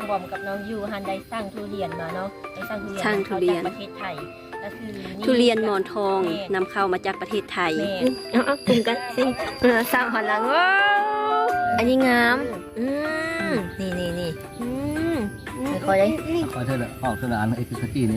บอมกับน้องยูฮันได้สร้างทุเรียนมาเนาะได้สร้างทุเรียนเข้าจากประเทศไทยก็คือทุเรียนหมอนทองนำเข้ามาจากประเทศไทยเอากลุ่มกันสิสร้างหันหลังว้าวอันนี้งามนี่ไม่ค่อยได้ขอเธอละขอเธอละอันไอ้คือสกี้นี่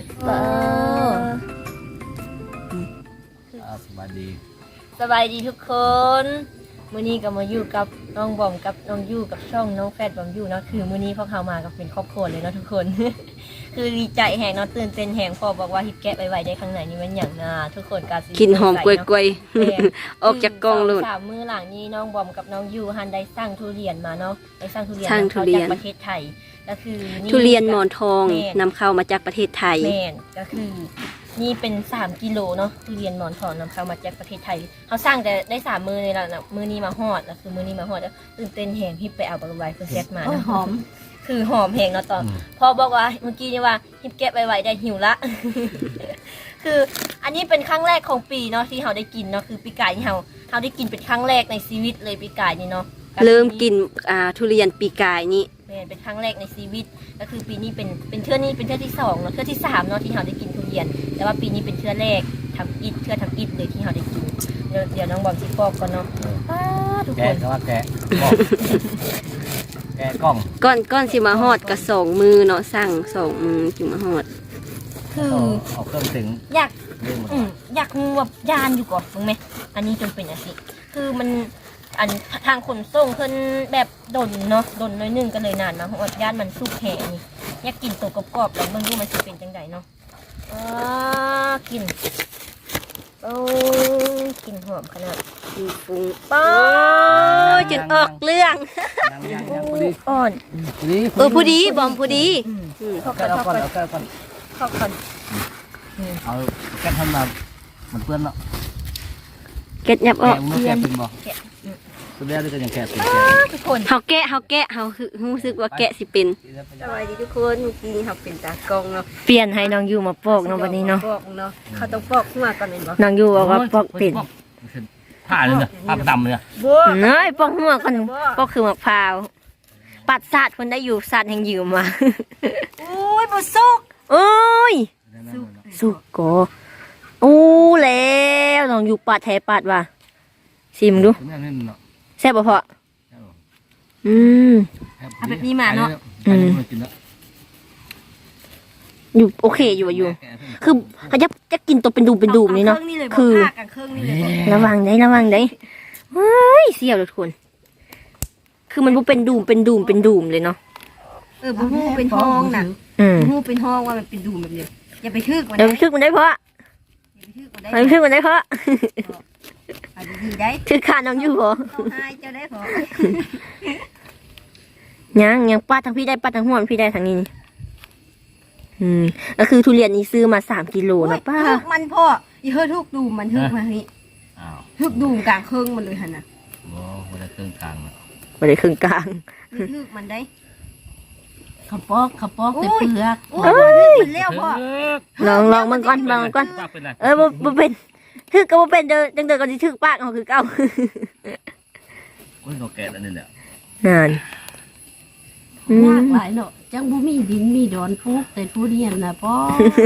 สบายดีทุกคนมื้อนี้ก็มาอยู่กับน้องบอมกับน้องยูกับช่องน้องแฟดบอมยูเนาะคือมื้อนี้พวกเขามากับเป็นครอบครัวเลยเนาะทุกคน คือดีใจแหงเนาะตื่นเต้นแหงพอบอกว่าฮิปแกะไว้ได้ข้างในนี่มันอย่างน่าทุกคนก็กินหอมกล้วยๆออกจากกล่องเลย 3 มื้อหลังนี้น้องบอมกับน้องยูฮันได้สร้างทุเรียนมาเนาะได้สร้างทุเรียนเข้าจากประเทศไทยก็คือทุเรียนหมอนทองนำเข้ามาจากประเทศไทยแม่นก็คือนี่เป็น3 กิโลเนาะทุเรียนหมอนทองนำเข้ามาจากประเทศไทยเขาสร้างแต่ได้3 มื้อนี่แหละนะมื้อนี้มาฮอดแล้วคือมื้อนี้มาฮอดแล้วตื่นเต้นแหงฮิปไปเอาบริวารเพิ่นแซดมาหอมคือหอมแหงเนาะตอนพอบอกว่าเมื่อกี้นี่ว่าฮิปแกะไว้ได้หิวละ คืออันนี้เป็นครั้งแรกของปีเนาะที่เราได้กินเนาะคือปีกายที่เราได้กินเป็นครั้งแรกในชีวิตเลยปีกายนี่เนาะเริ่มกินทุเรียนปีกายนี้เป็นครั้งแรกในชีวิตก็คือปีนี้เป็นเทื่อนี้เป็นเทื่อที่2เนาะเทื่อที่3เนาะที่เราได้กินทุเรียนแต่ว่าปีนี้เป็นเทื่อแรกทำอิฐเทื่อทำอิฐเลยที่เราได้กินเดี๋ยวน้องบอมสิปอกก่อนเนาะทุกคนแกะว่าแกะแกะกล้องก้อนสิมาฮอดกับ2 มือเนาะสั่ง2 มือจึงมาฮอดคือเอาเครื่องถึงอยากงูแบบยานอยู่ก่อนมึงไหมอันนี้จนเป็นassimคือมันอันทางขนส่งเพิ่นแบบดนเนาะดนน้อยนึงก็เลยนานมาเพราะว่าย่านมันสุกแห้นี่อยากกินตัวกรอบๆแล้วมึงดูมันสิเป็นจังไดเนาะกินกินหอมขนาดฟุ้งป้อจนออกเรื่องอ่อนผู้ดีบอมผู้ดีเข้าก่อนเอาแกะทำมาเหมือนเพื่อนเนาะเก็ดยับออกแกะเป็นบ่สุดแล้วด้วยกันอย่างแกะเป็นทุกคนเฮาแกะเฮารู้สึกว่าแกะสิเป็นสวัสดีทุกคนเมื่อกี้เฮาเป็นตากล้องเนาะเปลี่ยนให้น้องยูมาปอกเนาะวันนี้เนาะปอกเนาะเขาต้องปอกขึ้นมาก่อนเป็นบ่น้องยูบอกว่าปอกเป็นผ้าเลยเนี่ยผ้าดำเลยเนยปอกหัวกันปอกคือมะพร้าวปัดสาดคนได้อยู่สาดแห่งยืมมาโอ้ยบ่สุกโอ้ยสุกก็แล้วน้องยูปัดแท้ปัดว่ะชิมดูแซ่บบ่พอเอาแบบนี้มาเนาะอยู่โอเคอยู่คือเขาจะกินตัวเป็นดูมนี่เนาะคือระวังได้เฮ้ยเสียวทุกคนคือมันเป็นดูมเลยเนาะบ่ฮู้เป็นห้องน่ะบ่ฮู้เป็นห้องว่ามันเป็นดูมแบบนี้อย่าไปทึกมันได้เพราะดีได้คือขาน้องอยู่เหรอให้เจ้าได้เหรอยังป้าทางพี่ได้ป้าทางหัวพี่ได้ทางนี้ก็คือทุเรียนนี้ซื้อมา3 กิโลนะป้ามันพ่ออย่าเฮ้ทุกดูมันทึกมานี่ทึกดูกลางเครื่องมันเลยหันน่ะไม่ได้เครื่องกลางไม่ได้เครื่องกลางทึกมันได้ขับปอกแต่เปลือกมันเลี้ยวพ่อลองมันก่อนบ่เป็นทึกก็บ่เป็นเดินก็สิทึกปากเอาคือเก่าเขาแก่แล้วนี่แหละนานยากหลายเนาะจังบ่มีดินมีดอนปลูกแต่ทุเรียนน่ะพ่อ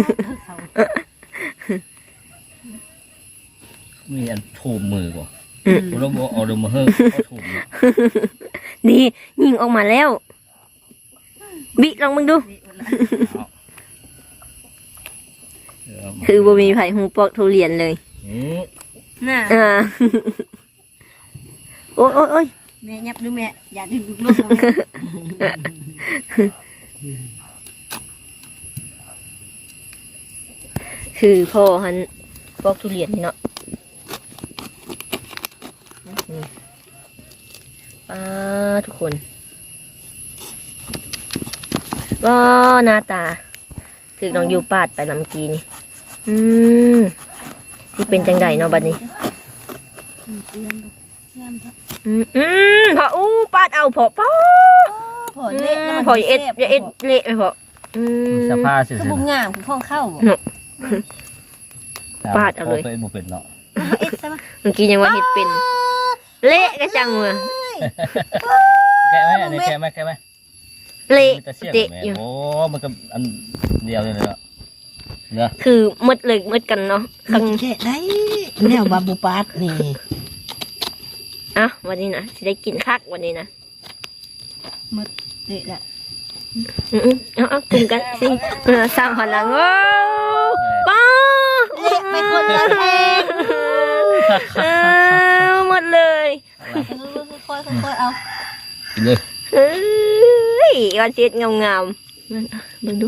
มีอันถูกมือกว่าเราบอกเอาดมมาเฮ้ถูกนี่ยิงออกมาแล้วบิลองมึงดูคือบ่มีไผฮู้ปอกทุเรียนเลยน่ะโอ้ยแม่ยับดูแม่อย่าดึงลูกคือพ่อหันปอกทุเรียนเนาะทุกคนว้าหน้าตาถือน้องยูปาดไปลำกีนี่ที่เป็นจังไดเนาะบัดนี้พอปาดเอาพอเละพอเอ็ดเละไปพอสภาพเสียบุ้งงามคือข้องเข้าปาดเอาเลยเป็นเนาะเมื่อกี้ยังว่าเห็ดเป็นเละกระจังเลยแกะไหมอันนี้แกะไหมเละมันจะเสี่ยงเตะแม่อยู่โอ้มันก็อันเดียวเลยเนาะเนาะคือมืดเลยมืดกันเนาะข้างแค่ได้แนวบาบูปาดนี่อ่ะวันนี้นะจะได้กินคักวันนี้นะเด็ดละเอากลุ่มกันสิสร้างหันหลังโอ้ป้าเละไปคนละแทงหมดเลยค่อยๆเอากินเลยเฮ้ยวันเจ็ดงามๆนั่นเบิ่งดู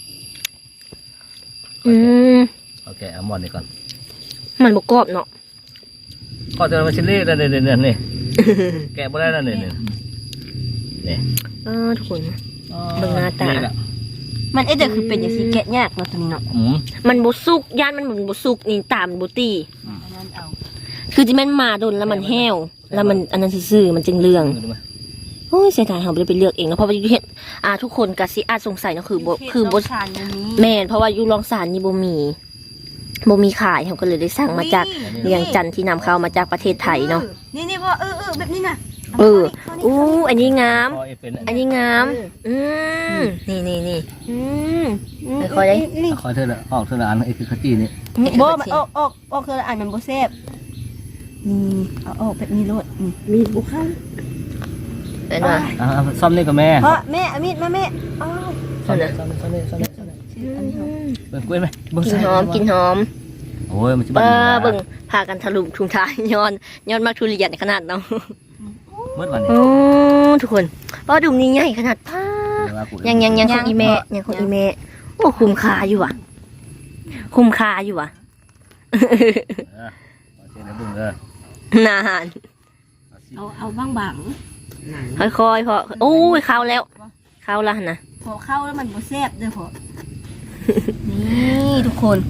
โอเคเอาหมอนนี่ก่อนมันบกกรอบเนาะก็จะมาชิ้นนี้นี่นี่แกะบ่ได้แล้วนี่นี่ทุกคนเบิ่งหน้าตามันเดี๋ยวคือเป็นอย่างสีแกะยากเนาะตัวนี้เนาะมันบสุกย่านมันบสุกนี่ตามบตีอันนั้นเอาคือที่มันมาโดนแล้วมันแห้วแล้วมันอันนั้นซื่อๆมันจึงเรื่องโอ้ยเสียดายเราไม่ได้ไปเลือกเองเนาะเพราะว่าอยู่เห็นทุกคนกะสิอาจสงสัยเนาะคือบชานนี้แม่นเพราะว่าอยู่รองสารนี่บ่มีขายเขาก็เลยได้สั่งมาจากเวียงจันทร์ที่นำเข้ามาจากประเทศไทยเนาะนี่พ่อแบบนี้นะอันนี้งามพอเป็นอันนี้งามนี่ค่อยได้คอยเธอละออกเธอละอันไอ้คือขจีนี่บ่มันออกคืออ่านมันบ่แซ่บนี่เอาออกแบบนี้โลดมีบุเข้าเป็นว่าซ่อมนี่กับแม่พ่อแม่อามิดมาแม่อ้าวซ่อมนี่เบิ่งกล้วยไหมเบิ่งกินหอมกินหอมโอ้ยมันจะบ้าเบิ่งพากันถลุถุงท้ายย้อนมากทุเรียนขนาดเนาะเมื่อวันนี้โอ้ทุกคนดุมนี้ใหญ่ขนาดป้ายังของอีแม่ยังของอีแม่โอ้คุ้มค่าอยู่อ่ะนานเอาบางค่อยๆพอโอ้ยเข้าแล้วเข้าแล้วนะพอเข้าแล้วมันบ่แซ่บเด้อพ่อนี่ทุกคน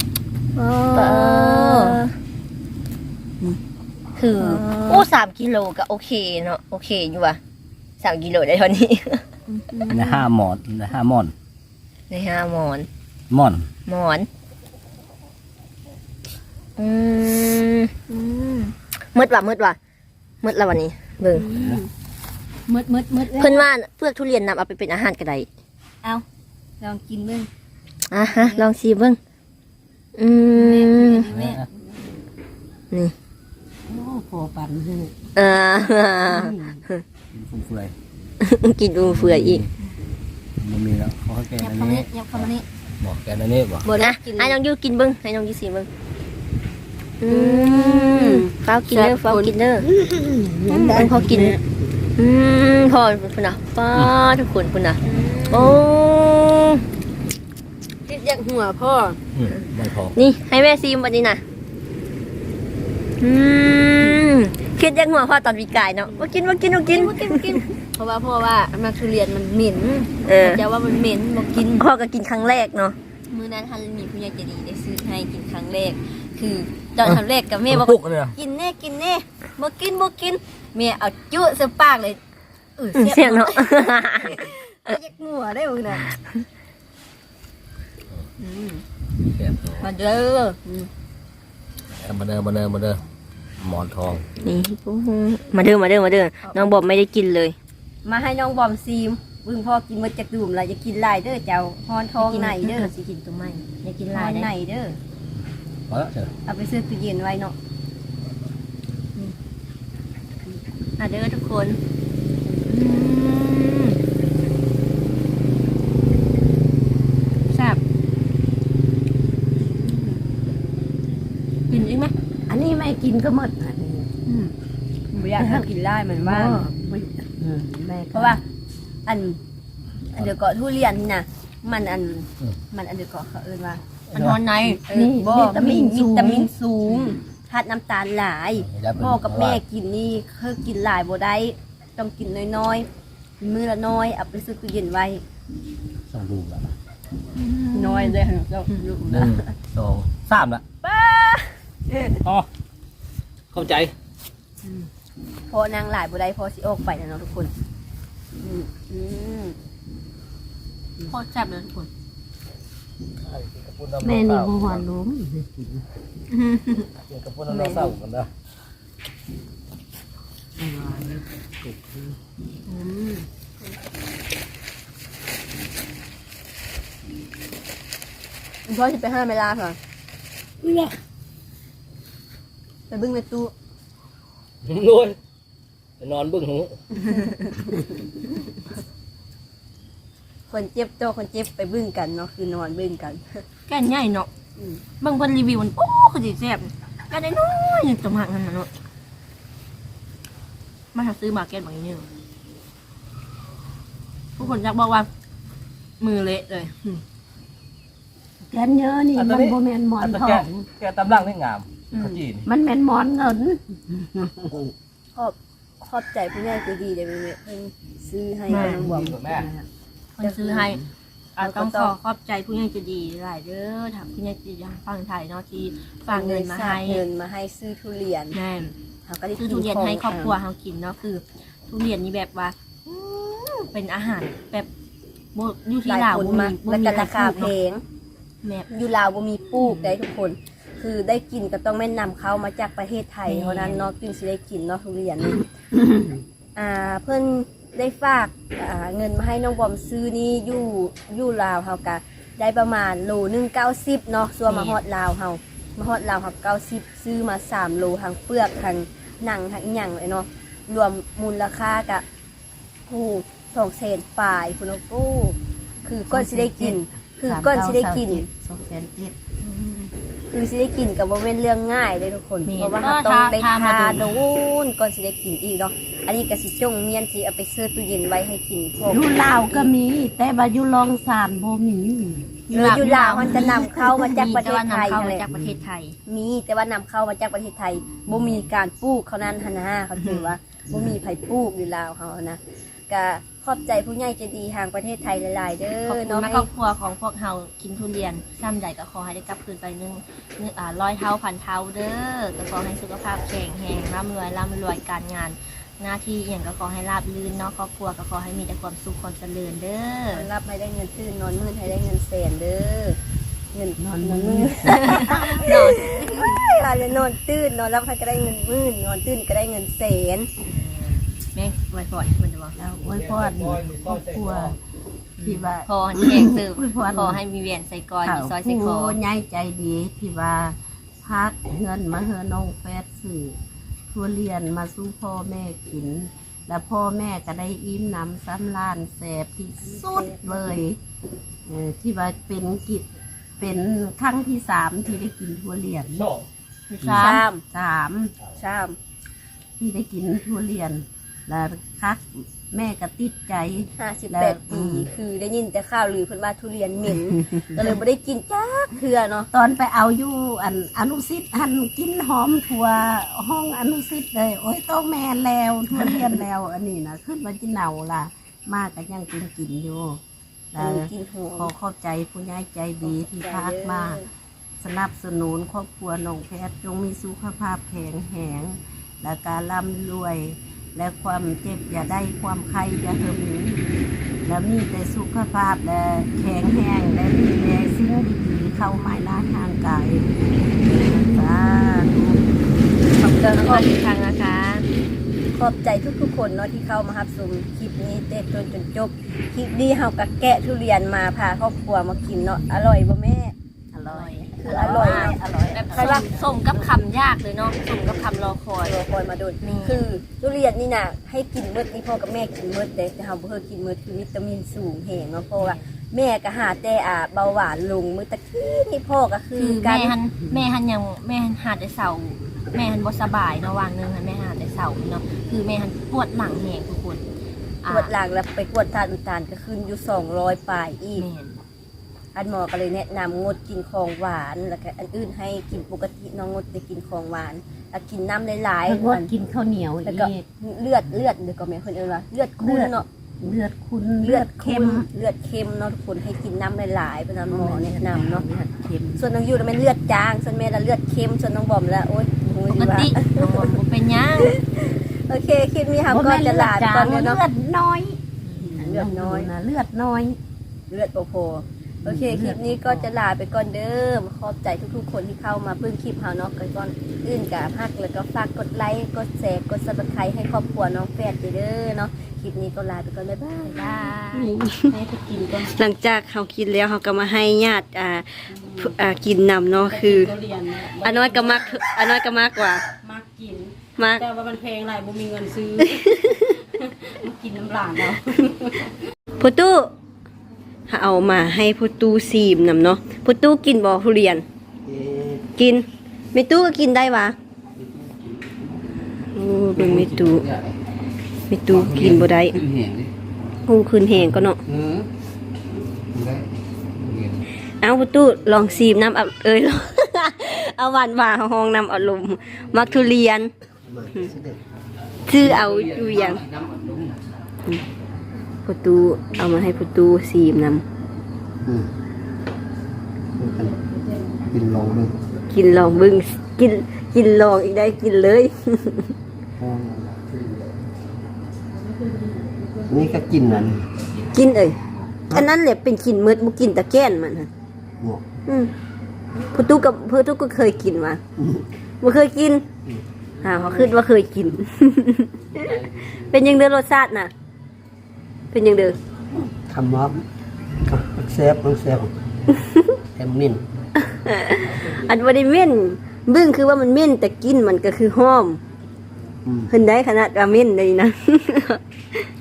คือ3 กิโลก็โอเคเนาะโอเคอยู่อ่ะ3 กิโลได้เท่านี้ใน5 หมอนใน5 หมอนใน5 หมอนหมอนมืดว่ะแล้ววันนี้เบิ่งมืดเพิ่นว่าเปลือกทุเรียนนำเอาไปเป็นอาหารก็ได้เอาลองกินเบิ่งลองชิมเบิ่งแม่นี่โอ้พอปั่นให้ฟุ่มเฟือยกินดูเฟื่อยอีกมันมีแล้วเขาแกงอันนี้ยับเข้ามานี่บอกแกงอันนี้บอกหมดนะให้น้องยูกินเบิ่งให้น้องยูสิเบิ่งฟ้าวกินเด้อพอกินพอพุ่นน่ะป้าทุกคนพุ่นน่ะโอ้ติดยักหัวพ่อไม่พอนี่ให้แม่ซีมวันนี้น่ะคิดยังหัวพ่อตอนปีกายเนาะมากินเพราะว่าพ่อว่ามันทุเรียนมันเหม็นจะว่ามันเหม็นบอกกินพ่อก็กินครั้งแรกเนาะมื้อนั้นท่านมีผู้ใหญ่ใจดีได้ซื้อให้กินครั้งแรกคือตอนครั้งแรกกับแม่บอกปุกเลยกินแน่บ่กินแม่เอาจุใส่ปากเลยเสียงเนาะยักหัวได้มื้อนั้นแบบมาเด้อมาเด้อหมอนทองนี่มาเด้อน้องบอกไม่ได้กินเลยมาให้น้องบอมซีมบึงพ่อกินมาจากดื่มแล้วจะกินลายเด้อเจ้าฮอนทองไหนเด้อสิกินตัวใหม่อย่ากินฮลาอย นไหนได้เด้อพอแล้วเถอะเอาไปซื้อตู้เย็นไว้เนาะเด้อทุกคนแซ่บกินอีกไหมอันนี้ไม่กินก็หมดอันนี้ไม่อยากให้กินได้เหมือนว่าเพราะว่า อันเดี๋ยวเกาะทุเรียนนี่นะมันอันเดี๋ยวเกาะเขาเอิ้นว่าอันนอนในบ่วิตามินสูงธาตุน้ำตาลหลายพ่อกับแม่กินนี่คือกินหลายบ่ได้ต้องกินน้อยๆมื้อละน้อยเอาไปซื้อตู้เย็นไว้ต้องดูแล้วน้อยเลยเจ้า 1 2 3ละอ๋อเข้าใจพอนางหลายบ่ได้พอสิออกไปนะเนาะทุกคนโคตรแซ่บเลยทุกคนแม่นี่บ่หวานล้มกินกับพวกน้ำเศร้ากันนะพ่อจะไปห้าเวลาค่ะไปบึ้งในตู้รวยไปนอนเบิ่งหูคนเจ็บโตคนเจ็บไปบึ้งกันเนาะคือนอนบึ้งกันแก่นใหญ่เนาะบางคนรีวิวมันโอ้คือสิแซ่บแก่นน้อยๆจังหวะนั้นน่ะเนาะมาหาซื้อมาแก่นบางอย่างนี้ผู้คนอยากบอกว่า มือเละเลยแกนเยอะนี่มันโบแมนหมอนทองแกตำลังนี่งามขจีนมันแมนหมอนเงินขอบใจผู้ใหญ่ใจดีเดี๋ยวเพิ่นซื้อให้น้องบอมแม่คนซื้อให้ต้องขอบใจผู้ใหญ่ใจะดีหลายเด้อถามผู้ใหญ่ใจะดีทางฝั่งไทยเนาะที่ฝากเงินมาให้เงินมาให้ซื้อทุเรียนแม่เขาก็ได้ซื้อทุเรียนให้ครอบครัวเขากินเนาะคือ ทุเรียนนี่แบบว่าเป็นอาหารแบบบ่อยู่ที่หลายลาวคนบ่มามีแล้วก็ราคาแพเนาะงแม่อยู่ลาวบ่มีปลูกได้ทุกคน คือได้กินก็ต้องแม่นำเข้ามาจากประเทศไทยเท่านั้นเนาะจึงสิได้กินเนาะทุเรียนนี่ เพิ่นได้ฝากเงินมาให้น้องบอมซื้อนี่อยู่ลาวเฮากะได้ประมาณโลนึง90เนาะส่วนมาฮอดลาวเฮามาฮอดลาวเฮา90ซื้อมา3โลทั้งเปลือกทั้งหนังทั้งหยังเลยเนาะรวมมูลค่ากะ200,000ปลายพุ่นเนาะคือก้อนสิได้กิน คือก้อนสิได้กิน 207,000 คือสิได้กินกับว่าเป็นเรื่องง่ายเลยทุกคน เพราะว่าเราต้องได้ทาโดนก่อนสิได้กินอีกเนาะ อันนี้ก็สิจงเมียนสิเอาไปเสื้อตู้เย็นไว้ให้กินพวกอยู่ลาวก็มี แต่ว่าอยู่ลองสานบ่มีอยู่ลาวมันจะนำเข้ามาจากประเทศไทยมีแต่ว่านำเข้าเลมาย จากประเทศไทยมีแต่ว่านำเข้ามาจากประเทศไทยบ่มีการปลูกเขานั้นหั่นนะเขาถือว่าบ่มีไผปลูกอยู่ลาวเขานะก็ขอบใจผู้ใหญ่ใจดีทางประเทศไทยหลายๆเด้ขอบอคุณเนาะนะครอบครัวของพวกเฮากินทุเรียนซ้ำใดก็ขอให้ได้กลับคืนไปร้อยเท่าพันเท่าเด้อก็ขอให้สุขภาพแข็งแรงร่ำรวยการงาน หน้าที่อย่างก็ขอให้ราบรื่นเนาะครอบครัวก็ขอให้มีแต่ความสุขความเจริญเด้อรับให้ได้เงินชื่นนอนมื้อให้ได้เงินแสนเด้อเงินนอนมื้อนอนจะนอนตื่นนอนรับให้ก็ได้เงินมื้อนอนตื่นก็ได้เงินแสนแม่งไว้บ่อยมันจะบอกแล้วอวยพรครอบครัวที่ว่าพอแข็งสืบอวยพรขอให้มีเวียนใส่กอยมีซอยใส่คอผู้ใหญ่ใจดีที่ว่าพักเงินมาเฮอน้องแฟดสื่อทุเรียนมาสู้พ่อแม่กิน แล้วพ่อแม่ก็ได้อิ่มน้ำซ้ำล้านแสบที่สุดเลยที่ว่าเป็นกิจเป็นครั้งที่3ที่ได้กินทุเรียนชาม 3 ชามที่ได้กินทุเรียน แล้วคักแม่ก็ติดใจ 58 ปีคือได้ยินแต่ข่าวลือเพิ่นว่าทุเรียนเหม็น ก็เลยบ่ได้กินจ้าเทื่อเนาะตอนไปเอาอยู่อนุสิทธิ์หันกินหอมทั่วห้องอนุสิทธิ์เลย โอ้ยต้องแม่แล้วทุเรียนแล้ว อันนี้นะขึ้นมาจิเนาล่ะ มากก็ยังกินอยู่แล้วกินหัวขอขอบใจผู้ใหญ่ใจดีที่พากมาสนับสนุนครอบครัวน้องแพทย์จงมีสุขภาพแข็งแรงและการร่ำรวย และความเจ็บอย่าได้ความไข้อย่าเหิมแล้วมีแต่สุขภาพและแข็งแรงและมีแต่สิ่งดีๆเข้ามาในทางกายสาธุขอบใจขอบคุณอีกครั้งนะคะขอบใจทุกๆคนเนาะที่เข้ามารับชมคลิปนี้เต็มจนจบคลิปนี้เฮาก็แกะทุเรียนมาพาครอบครัวมากินเนาะอร่อยบ่แม่อร่อยคืออร่อยอร่อยแบบส่งกับคำยากเลยเนาะส่งกับคำรอคอยรอคอยมาโดนคือทุเรียนนี่น่ะให้กินเบิดนี่พ่อกับแม่กินเบิดแต่เฮาบ่เคยกินเบิดคือวิตามินสูงแหงเนาะเพราะว่าแม่ก็หาแต่เบาหวานลงมื้อตะกี้นี่พ่อก็คือคือการแม่หันหาแต่เสาแม่หันบ่สบายเนาะวางหนึงหันแม่หาแต่เสาเนาะคือแม่หันปวดหลังแหงทุกคนตรวจหลังแล้วไปกวดทานอุดตันก็ขึ้นอยู่200ปลายอีกแม่นอันหมอก็เลยแนะนำงดกินของหวานแล้วก็อันอื่นให้กินปกติน้องงดไปกินของหวานแล้วกินน้ำหลายงดกินข้าวเหนียวแล้วอีก็กเลือดเดี๋ยวก็แม่คนเอิ้นว่าเลือดข้นเนาะเลือดคุณเลือดเค็มเนาะทุกคนให้กินน้ำหลายๆเพราะนั้นหมอแนะนำเนาะเลือดเค็มส่วนน้องยูน่ะเป็นเลือดจางส่วนแม่ละเลือดเค็มส่วนน้องบอมละโอ๊ยโอ้ยปกติน้องบอกบ่เป็นหยังโอเคคลิปนี้ค่ะก็จะลาไปก่อนเนาะเลือดน้อยเลือดน้อยนะเลือดน้อยเลือดโพโอเคคลิปนี้ก็จะลาไปก่อนเด้อขอบใจทุกๆคนที่เข้ามาเพิ่งคลิปเฮาเนาะก่อนอื่นกับฮักแล้วก็ฝากกดไลค์กดแชร์กด Subscribe ให้ครอบครัวน้องแฟดเด้อเนาะคลิปนี้ก็ลาไปก่อนบ๊ายบายได้ให้ไปกินก่อนหลังจากเขากินแล้วเขาก็มาให้ญาติกินนำเนาะคืออันน้อยก็มากกว่ามากกินมากแต่ว่ามันแพงหลายบ่มีเงินซื้อ มากินน้ำหลานเราพุตู้เอามาให้พุตู้ซีมนำเนาะพุตู้กินบ่ทุเรียน กินเมตู้ก็กินได้วะโอ้เป็นเมตู้กินบ่ได้ขึ้นแหงดิคงคืนแหงก็เนาะได้เอาพุตู้ลองซีมน้ำเอาเอาหวานห้องน้ำอารมณ์มักทุเรียนชื่อเอาอยู่อย่างพุตู้เอามาให้พุตู้ซีมนำกินลงเลยกินลองบึงกินลองอีกได้กินเลยนี่ก็กินนั่นกินอันนั้นแหละเป็นกินมืดบุกินตะแก้นมันฮะหมวกพุตุก็เคยกินมาบ่เคยกินเขาคิดว่าเคยกิน เป็นยังเด้อรสชาติน่ะ เป็นยังเด้อทำม็อบแซ่บแฮมมินอันบ่ได้เม่นบึ้งคือว่ามันเม่นแต่กินมันก็คือหอมเพิ่นได้ขนาดว่าเม่นเลยนะ